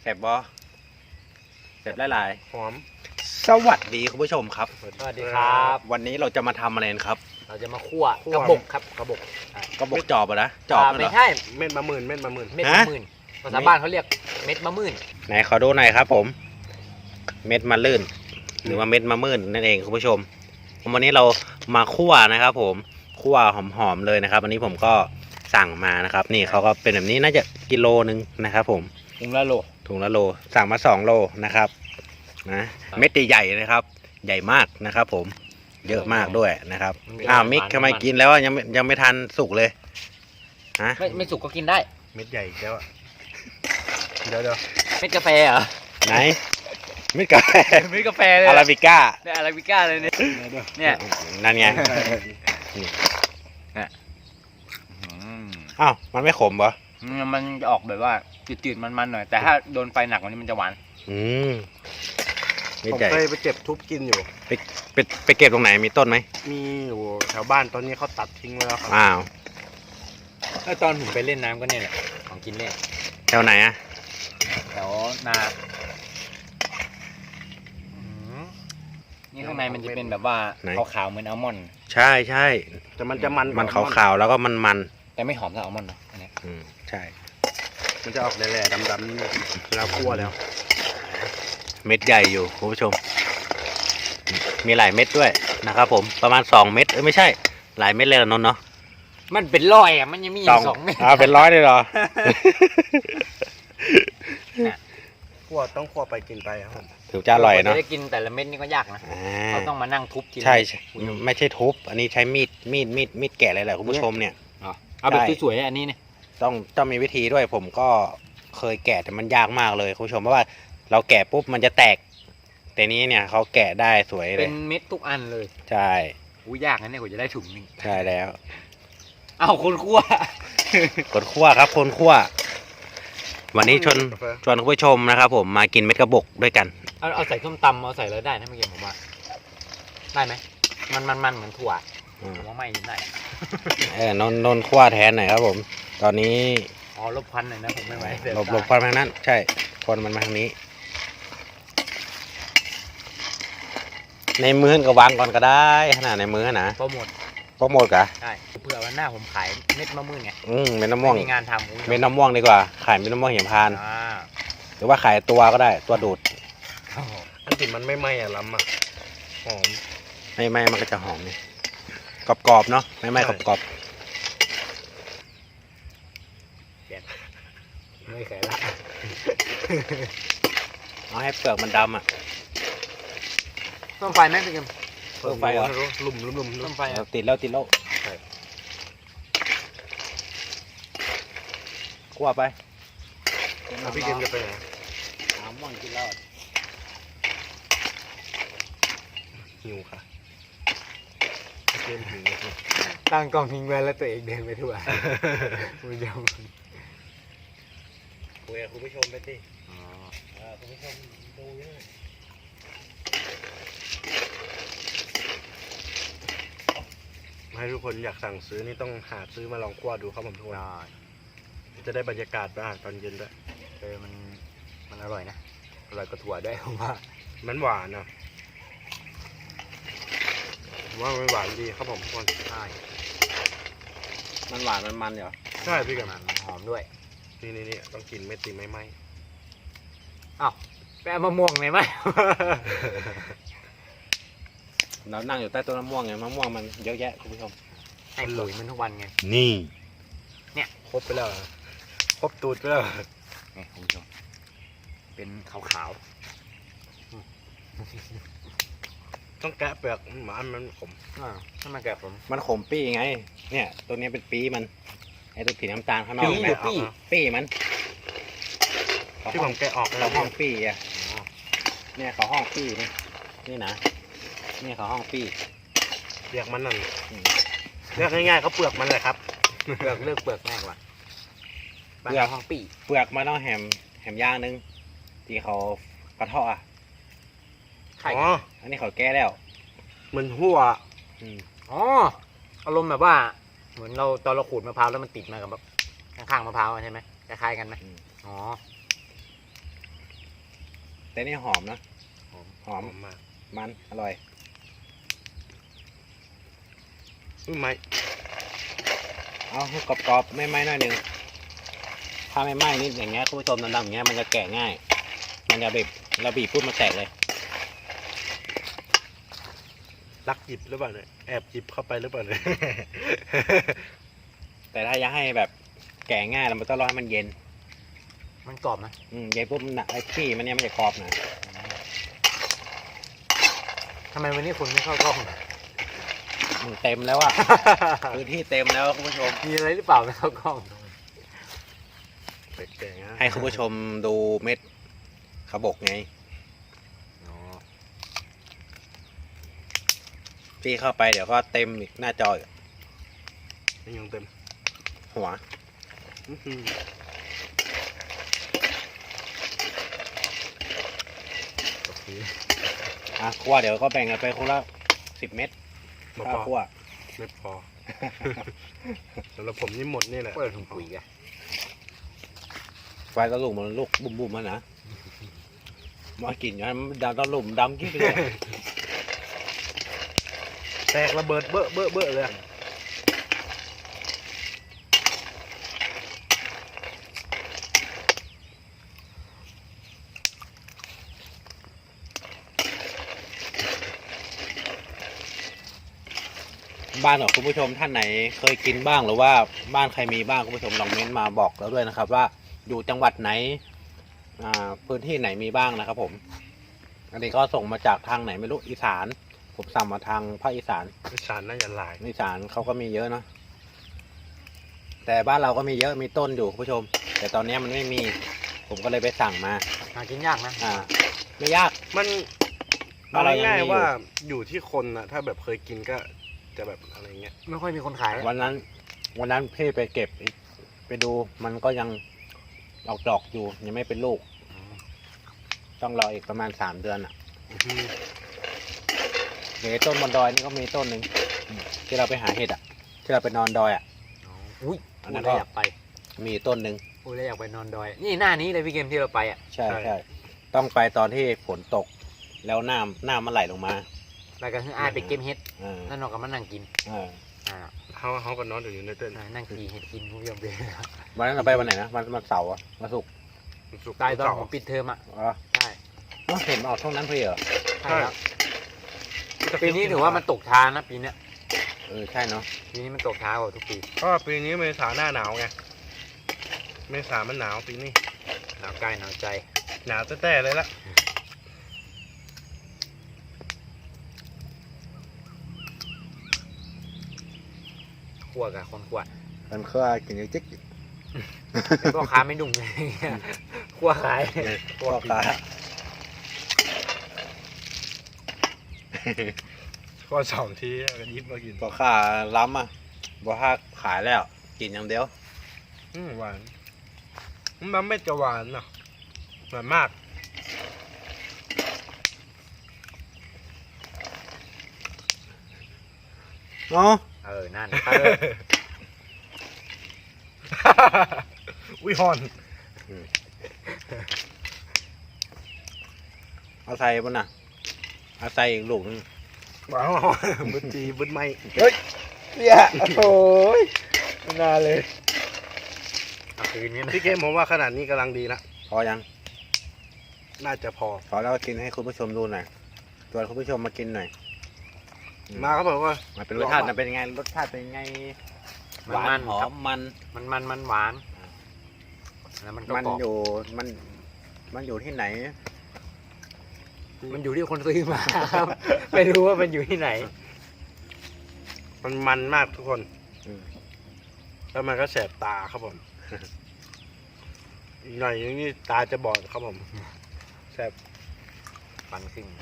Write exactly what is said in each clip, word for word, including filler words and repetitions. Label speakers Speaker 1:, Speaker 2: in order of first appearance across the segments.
Speaker 1: แซ่บบอแซ่บหลายๆ
Speaker 2: หอม
Speaker 1: สวัสดีคุณผู้ชมครับ
Speaker 3: สวัสดีครับ
Speaker 1: วันนี้เราจะมาทำอะไรกันครับ
Speaker 3: เราจะมาคั่วกระบอกครับกระบอก
Speaker 1: ก็บอกจอบอะนะจอบ
Speaker 3: อ่า
Speaker 1: นั่นเหร
Speaker 3: ไม่
Speaker 1: อ
Speaker 3: ใช่
Speaker 2: เม็ดมะมื่นเม็ดมะมื่น
Speaker 3: เม็ด
Speaker 1: ฮะ
Speaker 3: มะมื่นภาษาบ้านเขาเรียกเม็ดมะมื่น
Speaker 1: ไหนขอดูหน่อยครับ ผม เม็ดมะลื่น หรือว่าเม็ดมะมื่นนั่นเองคุณผู้ชม วันนี้เรามาคั่วนะครับ ผมคั่วหอมๆเลยนะครับวันนี้ผมก็สั่งมานะครับ นี่เขาก็เป็นแบบนี้น่าจะกิโลนึงนะครับ ผม
Speaker 3: ถุงละโล
Speaker 1: ถุงละโลสั่งมาสองโลนะครับนะเม็ดใหญ่ๆนะครับ ใหญ่มากนะครับ ผมเยอะมากด้วยนะครับอ้าวมิกทำไมกินแล้วยังไม่ยังไม่ทันสุกเลยฮะ
Speaker 3: ไม่ไม่สุกก็กินได้
Speaker 2: เม็ดใหญ่แล้วอะเดี๋ยวเดี๋ยว
Speaker 3: เม็ดกาแฟเหรอ
Speaker 1: ไหนเม็ดกาแฟ
Speaker 3: เม็ดกาแฟเลย
Speaker 1: อาราบิก้า
Speaker 3: ได้อาราบิก้าเลยเนี่ยเนี่ย
Speaker 1: นั่นไงอ้าวมันไม่ขมเหรอ
Speaker 3: มันจะออกแบบว่าจืดๆมันๆหน่อยแต่ถ้าโดนไฟหนักกว่านี้มันจะหวาน
Speaker 1: อืมเม็ด
Speaker 2: ผม
Speaker 1: ใหญ่
Speaker 2: เคยไปเจ็บทุบกินอยู่
Speaker 1: ไปไปไปเก็บตรงไหนมีต้นไหม
Speaker 2: มีอยู่แถวบ้านตอนนี้เขาตัดทิ้งไว้แล้วครับ
Speaker 1: อ้าว
Speaker 3: แล้วตอนผมไปเล่นน้ำก็เนี่ยแหละของกินเล่น
Speaker 1: แถวไหนอะ
Speaker 3: แถวนานี่ข้างในมันจะเป็นแบบว่าขาวๆเหมือนอัลมอนด์
Speaker 1: ใช่ใช่
Speaker 2: แต่มันจะมัน
Speaker 1: มันขาวๆแล้วก็มันมัน
Speaker 3: แต่ไม่หอมเท่าอัลมอนด์นะอันเนี้ย
Speaker 1: อืมใช่
Speaker 2: มันจะออกแหล่ๆดำๆนี่แล้วคั่วแล้ว
Speaker 1: เม็ดใหญ่อยู่คุณผู้ชม มีหลายเม็ดด้วยนะครับผมประมาณสองเม็ดเอ้ยไม่ใช่หลายเม็ดเลยละนนท์เนาะ
Speaker 3: มันเป็นร้อยอ่ะมันยังมีอยู่สองเม็ด
Speaker 1: อ่าเป็นร้อยเลยเหรอ
Speaker 2: คั่วต้องคั่วไปกินไปครับผม
Speaker 1: ถือจะอร่อยเนาะ
Speaker 3: จะได้กินแต่ละเม็ดนี่ก็ยากนะ
Speaker 1: อ่
Speaker 3: เขาต้องมานั่งทุบกิน
Speaker 1: ใช่ใช่ไม่ใช่ทุบอันนี้ใช้มีดมีดมีดมีดแกะเลยแหละคุณผู้ชมเนี่ย
Speaker 3: เอาแบบ
Speaker 1: ได้
Speaker 3: สวยๆอันนี้เนี่ย
Speaker 1: ต้องต้องมีวิธีด้วยผมก็เคยแกะแต่มันยากมากเลยคุณผู้ชมเพราะว่าเราแกะปุ๊บมันจะแตก แต่นี้เนี่ยเขาแกะได้สวยเล
Speaker 3: เป็
Speaker 1: ย
Speaker 3: นเม็ดทุกอันเลย
Speaker 1: ใช่
Speaker 3: อู้ยากนะเนี่ยกว่าจะได้ถุงหนึง
Speaker 1: ใช่แล้ว
Speaker 3: เอาคนคั่ว
Speaker 1: คนคั่วครับคนคั่ว วันนี้ชวนชวนคุณผู้ชมนะครับ ผมมากินเม็ดกระบอกด้วยกัน
Speaker 3: เอาเอาใส่ส้มตำเอาใส่แล้วได้นะเมื่อกี้ผมว่าได้ไหมมันมันมันเหมือนถั่ว
Speaker 1: อืม
Speaker 3: ผมว่าไม่ได้
Speaker 1: เออนนนนคั่วแทนหน่อยครับผม ตอนนี้
Speaker 3: อ๋อลบพันหน่อยนะผมไม่ไหวเสีย
Speaker 1: หลบ
Speaker 3: ตา
Speaker 1: หลบควันมาทางนั้น ใช่ควันมันมาทางนี้ ในมือก็วางก่อนก็ได้ขนาดในมือนะ
Speaker 3: โปรโมท
Speaker 1: โปรโมทกะ
Speaker 3: ใช่เผื่อวันหน้าผมขายเม็ดมะม่วงไง
Speaker 1: อืมเม็ดน้ำม่วง
Speaker 3: ไม่มีงานทำอู้
Speaker 1: เม็ดน้ำม่วงดีกว่าขายเม็ดน้ำม่วงเหี่ยมพาน
Speaker 3: อ่า
Speaker 1: หรือว่าขายตัวก็ได้ตัวดูด
Speaker 3: โอ้โห
Speaker 2: อันติมันไม่ไหม้อะล้ำอะหอม
Speaker 1: ไม่ไม่มันก็จะหอมนี่กรอบๆเนาะไม่ไม่
Speaker 2: ใช่
Speaker 1: กรอบ
Speaker 3: ไม่เคยละ
Speaker 1: ๆเอาให้เปลือกมันดำอ่ะ
Speaker 3: ต้มไฟไหมพี่เกม
Speaker 1: เพิ่มไฟเหรอ
Speaker 2: หลุมหลุมหลุมหลุ
Speaker 3: ต้
Speaker 2: ม
Speaker 3: มไฟ
Speaker 1: เอา
Speaker 3: อ่ะ
Speaker 1: ติดแล้วติดแล้วคั่วไป
Speaker 2: อ่ะพี่เกมจะไปไหน
Speaker 1: น้ำม่วงกินแล้ว
Speaker 2: หิวค่ะพี่เกมหิว
Speaker 3: ตั้งกล้องทิ้งไว้แล้วตัวเองเดินไปทั่วคุณผู้ชม
Speaker 1: คุยกับคุณผู้ชมไปสิคุณผู้ชมดูเยอะ
Speaker 2: ให้ทุกคนอยากสั่งซื้อนี่ต้องหาซื้อมาลองคั่วดูครับผมทุกคนจะได้บรรยากาศบ้างตอนเย็นด้วย
Speaker 3: เออมันมันอร่อยนะอร่อยกว่าถั่วด้วยผมว่า
Speaker 2: มันหวานนะผมว่ามันหวานดีครับผมทุกคน
Speaker 3: ใช่
Speaker 1: มันหวานมันมันเหรอ
Speaker 2: ใช่พี่เกม
Speaker 3: มันหอมด้วย
Speaker 2: นี่นี่นี่ต้องกินไม่ตีไม่ไหม
Speaker 3: อ้าวไปเอามะม่วงเลยไหม
Speaker 1: เรานั่งอยู่ใต้ต้นมะม่วงไงมะม่วงมันเยอะแยะคุณผู้ชม
Speaker 3: ให้ปุ๋ยมันทุกวันไง
Speaker 1: นี่
Speaker 2: ครบไปแล้วเหรอครบตูดไปแล้วเหรอ
Speaker 3: นี่คุณผู้ชมเป็นขาว
Speaker 2: ต้องแกะเปลือกหมามันขม
Speaker 3: ๆอ่าถ้ามาแกะผม
Speaker 1: มันขมปี้ไง เนี่ยตัวนี้เป็นปีมันไอ้ตัวสีน้ำตาลข้างนอก
Speaker 3: ปี
Speaker 1: เห็นไหม
Speaker 3: หรือปี้
Speaker 1: ปีมันเขา
Speaker 2: ที่
Speaker 1: ห้
Speaker 2: ผ
Speaker 1: อง
Speaker 2: มแกะออก
Speaker 1: เขา
Speaker 2: แล้ว
Speaker 1: ห้องปีอ่ะเนี่ยเขาห้องปีนี่นี่นะนี่เขาห้องปี
Speaker 2: เปลือกมันนั่น
Speaker 1: อืม
Speaker 2: เรียกง่ายๆเขาเปลือกมันเลยครับ
Speaker 3: เปลือกเลือกเปลือกง่ายกว่า
Speaker 1: เปลือก
Speaker 3: ห้องปี
Speaker 1: เปลือกมันต้องแหมแหมย่างนึงที่เขากระเทาะอ่ะ
Speaker 3: ไข่
Speaker 2: อ๋อ
Speaker 1: อันนี้เขาแก้แล้ว
Speaker 2: มันหัว
Speaker 1: อืม
Speaker 3: อ๋ออารมณ์แบบว่า เหมือนเราตอนเราขูดมะพร้าวแล้วมันติดมากับแบบข้างๆมะพร้าวอะใช่ไหมคล้ายๆกันไหมอ๋อ
Speaker 1: แต่นี่หอมนะ
Speaker 3: หอม
Speaker 1: หอม
Speaker 2: หอมมาก
Speaker 1: มันอร่อย
Speaker 2: อุ้ยไม่
Speaker 1: เอาให้กรอบๆไม่ไหม้หน่อยหนึงถ้าไม่ไหม้นิดอย่างเงี้ยคุณผู้ชมดำๆอย่างเงี้ยมันจะแกะง่าย มันจะบีบเราบีบปุ๊บมันแตกเลย
Speaker 2: ลักหยิบหรือเปล่าเนี่ยแอบหยิบเข้าไปหรือเปล่าเนี่ย
Speaker 1: แต่ถ้าอยากให้แบบแกะง่ายเรามันต้องรอให้มันเย็น
Speaker 3: มันกรอบนะ
Speaker 1: อืมเย็นปุ๊บมันไอ้ที่มันเนี่ยมันจะกรอบนะ
Speaker 3: ทำไมวันนี้คุณไม่เข้ากล้อง
Speaker 1: มึงเต็มแล้วอะ พื้นที่เต็มแล้วคุณผู้ชม
Speaker 3: มีอะไรหรือเปล่าไม่เข้ากล้อง
Speaker 2: แปลกๆนะ
Speaker 1: ให้คุณผู้ชมดูเม็ดขบกไง
Speaker 3: อ๋อ
Speaker 1: พี่เข้าไปเดี๋ยวก็เต็มอีกหน้าจออีก
Speaker 2: นี่ยังเต็ม
Speaker 1: หัว
Speaker 2: อื้อหือ
Speaker 3: โอเค
Speaker 1: อ่ะคั่วเดี๋ยวก็แบ่งกันไปคนละสิบเม็ด
Speaker 2: ไม่
Speaker 1: ข้า
Speaker 2: พ
Speaker 1: ว
Speaker 2: อ
Speaker 1: คั่ว
Speaker 2: ไม่พอ สำหรับผมนี่หมดนี่แหละ
Speaker 3: เปิดถุงปุ๋ยกัน
Speaker 1: ไฟตะลุมมันลูกบุ่มๆมันนะมากินอย่างนั้นมันดำตะลุมดำกิ๊บไปเลย
Speaker 2: แตกระเบิดเบ้อเบ้อเบ้อเลยอะ
Speaker 1: บ้านของคุณผู้ชมท่านไหนเคยกินบ้างหรือว่าบ้านใครมีบ้างคุณผู้ชมลองเม้นต์มาบอกแล้วด้วยนะครับ ว่าอยู่จังหวัดไหนอ่าพื้นที่ไหนมีบ้างนะครับผม อันนี้ก็ส่งมาจากทางไหนไม่รู้อีสาน ผมสั่งมาทางภาคอีสาน
Speaker 2: อีสานน่าจะหลาย
Speaker 1: อีสานเขาก็มีเยอะเนาะแต่บ้านเราก็มีเยอะมีต้นอยู่คุณผู้ชม แต่ตอนนี้มันไม่มี ผมก็เลยไปสั่งมา
Speaker 3: หากินยากนะ
Speaker 1: อ่า ไม่ยาก
Speaker 2: มัน
Speaker 1: บ้านเรายังมี
Speaker 2: ง่าย
Speaker 1: อยู่
Speaker 2: ๆว่าอยู่ที่คนนะถ้าแบบเคยกินก็จะแบบอะไรเงี้ย
Speaker 3: ไม่ค่อยมีคนขาย
Speaker 1: วันนั้น วันนั้นพี่ไปเก็บไปดูมันก็ยังออกดอกอยู่ยังไม่เป็นลูก
Speaker 3: อ๋อ
Speaker 1: ต้องรออีกประมาณสามเดือนอ่ะ
Speaker 2: อื้อหือ
Speaker 1: เดี๋ยวต้นบนดอยนี่ก็มีต้นหนึ่งอืมที่เราไปหาเห็ดอ่ะ ที่เราไปนอนดอยอ่ะ
Speaker 3: อ๋ออุ้ย
Speaker 1: อันนั้
Speaker 3: พูด
Speaker 1: นก็
Speaker 3: แล้วอยากไป
Speaker 1: มีต้นหนึ่ง
Speaker 3: พูดแล้วอยากไปนอนดอย นี่หน้านี้เลยพี่เกมที่เราไปอ่ะ
Speaker 1: ใช่ใช่ต้องไปตอนที่ฝนตก แล้วน้ำน้ำมันไหลลงมา
Speaker 3: แล้วก็คืออ้ายไปเก็บเห็ด
Speaker 1: อ่า
Speaker 3: แล้วนอกก็มานั่งกิน
Speaker 1: อ่า
Speaker 3: อ่า
Speaker 2: เขาเขาก็นอนอยู่ในเต้น
Speaker 3: นั่งขี่เห็ดกินคุณผู้ชมเลย
Speaker 1: วันนั้นเราไปวันไหนนะวันวันเสาร์อะวันศุกร์
Speaker 2: สุกร์
Speaker 3: ตายตอน
Speaker 2: เสา
Speaker 3: ผมปิดเทอมอ่ะ
Speaker 1: อ๋อ
Speaker 3: ใช่
Speaker 1: เอ้าเห็นมันออกช่องนั้นพอดีเหรอ
Speaker 3: ใช่ครับปีนี้ถือว่ามันตกช้านะปีเนี้ย
Speaker 1: เออใช่เนาะ
Speaker 3: ปีนี้มันตกช้ากว่าทุกปี
Speaker 2: ก็ปีนี้เมษาหน้าหนาวไงเมษามันหนาวปีนี้
Speaker 3: หนาวกายหนาวใจ
Speaker 2: หนาวแต่แต่เลยละ
Speaker 3: ขั่วกับคนขั่ว
Speaker 1: มันเคยกินจิ๊ก
Speaker 3: เป็นพ่อค้าไม่ดุ่งเลยขั่วขาย
Speaker 1: พ่อค้า
Speaker 2: ก็สองทีกันยิบมากิน
Speaker 1: พ่อค้าล้ำอ่ะพ่อค้าขายแล้ว กินอย่างเดียว
Speaker 2: อืมหวานมันไม่จะหวานเนาะหวานมาก
Speaker 1: เนาะ
Speaker 3: เออนั่น
Speaker 2: วิฮอน
Speaker 1: เอาใส่บนน่ะเอาใส่อีกลูกนึง
Speaker 2: ว้าวบึดจีบึดไม่
Speaker 1: เนี่ยโอ้ยไม่น่าเลย
Speaker 3: เอาคืนนี้นะ
Speaker 2: พี่เกมผมว่าขนาดนี้กำลังดีละ
Speaker 1: พอยัง
Speaker 2: น่าจะพอ
Speaker 1: พอแล้วก็กินให้คุณผู้ชมดูหน่อยชวนคุณผู้ชมมากินหน่อย อืม
Speaker 2: มาครับผมว่า
Speaker 1: มันเป็นรสชาติมันเป็นยังไงรสชาติเป็นยังไงห
Speaker 3: มัน
Speaker 1: วา
Speaker 3: มัน น
Speaker 1: หอ
Speaker 3: ครับ
Speaker 1: มมัน
Speaker 3: มันมันมันหวานแล้วมันก็
Speaker 1: มัน
Speaker 3: กรอบ
Speaker 1: อยู่มันมันอยู่ที่ไหน
Speaker 3: มันอยู่ที่คนซื้อมาครับ ไม่รู้ว่ามันอยู่ที่ไหน
Speaker 2: มันมันมากทุกคน
Speaker 1: อืม
Speaker 2: แล้วมันก็แสบตาครับผม อีกหน่อยนี่ตาจะบอดครับผมแสบ
Speaker 3: ปันขึ้น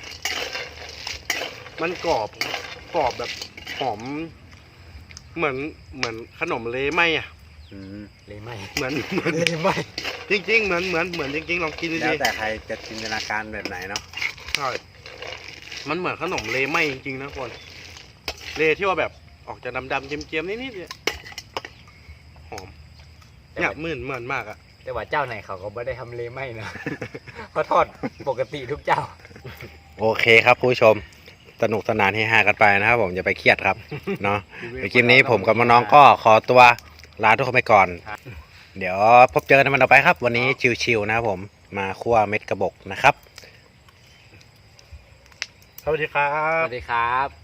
Speaker 2: มันกรอบกรอบแบบหอม เหมือนเหมือนขนมเลไหมอ่ะ
Speaker 1: อืม
Speaker 3: เลยไหม
Speaker 2: เหมือนเหมือน
Speaker 3: เลยไหม
Speaker 2: จริงๆเหมือนเหมือนเหมือนจริงๆลองกิน
Speaker 1: แล้ว
Speaker 2: ดี
Speaker 1: แต่ใครจะจินตนาการแบบไหนเนาะ
Speaker 2: ๆใช่มันเหมือนขนมเลไหมจริงๆนะคนเลที่ว่าแบบออกจะดำๆเจียมๆนิดๆเนี่ยหอม
Speaker 3: แต่
Speaker 2: เนี่ย
Speaker 3: ว่า
Speaker 2: เหมือนเหมือนมากอ่ะ
Speaker 3: แต่ว่าเจ้าไหนเขาก็ไม่ได้ทำเลไม่นะ เขาทอดปกติทุกเจ้า
Speaker 1: โอเคครับคุณผู้ชมสนุกสนานเฮฮากันไปนะครับผมอย่าไปเครียดครับเนาะในคลิปนี้ผมกับน้องๆก็ขอตัวลาทุกคนไปก่อน
Speaker 3: ครับ
Speaker 1: เดี๋ยวพบเจอกันในวันต่อไปครับ วันนี้ชิวๆนะครับผมมาคั่วเม็ดกระบอกนะครับ
Speaker 2: สวัสดีครั
Speaker 3: ส
Speaker 2: บ
Speaker 3: วัสดีครับ